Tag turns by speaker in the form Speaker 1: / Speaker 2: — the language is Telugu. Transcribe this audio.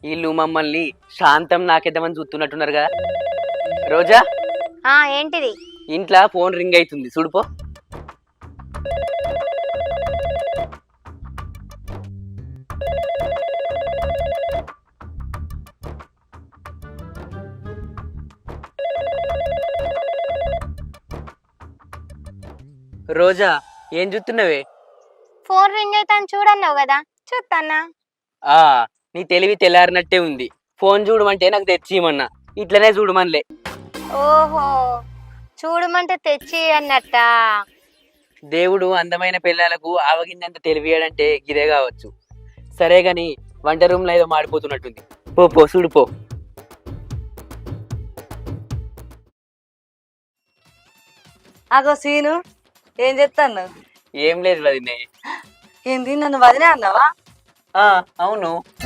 Speaker 1: వీళ్ళు మమ్మల్ని శాంతం నాకేద్దామని చూస్తున్నట్టున్నారు కదా. రోజా,
Speaker 2: ఏంటిది?
Speaker 1: ఇంట్లో ఫోన్ రింగ్ అవుతుంది చూడుపో. రోజా, ఏం చూస్తున్నావే?
Speaker 2: ఫోన్ రింగ్ అవుతాను చూడన్నావు కదా, చూస్తానా.
Speaker 1: ఆ నీ తెలివి తెల్లారినట్టే ఉంది. ఫోన్ చూడమంటే నాకు తెచ్చిమన్నా, ఇట్లనే చూడమనిలే.
Speaker 2: ఓహో, చూడమంటే తెచ్చి అన్నట్ట.
Speaker 1: దేవుడు అందమైన పిల్లలకు ఆవగిందంత తెలివియాడంటే గిదే కావచ్చు. సరే గాని వంట రూమ్ లో ఏదో మాడిపోతున్నట్టుంది. పో పో చూడుపో.
Speaker 3: అగో సీను, ఏం చెప్తాను?
Speaker 1: ఏం లేదు వదినే.
Speaker 3: ఏంది, నన్ను వదిలే అన్నావా?
Speaker 1: అవును.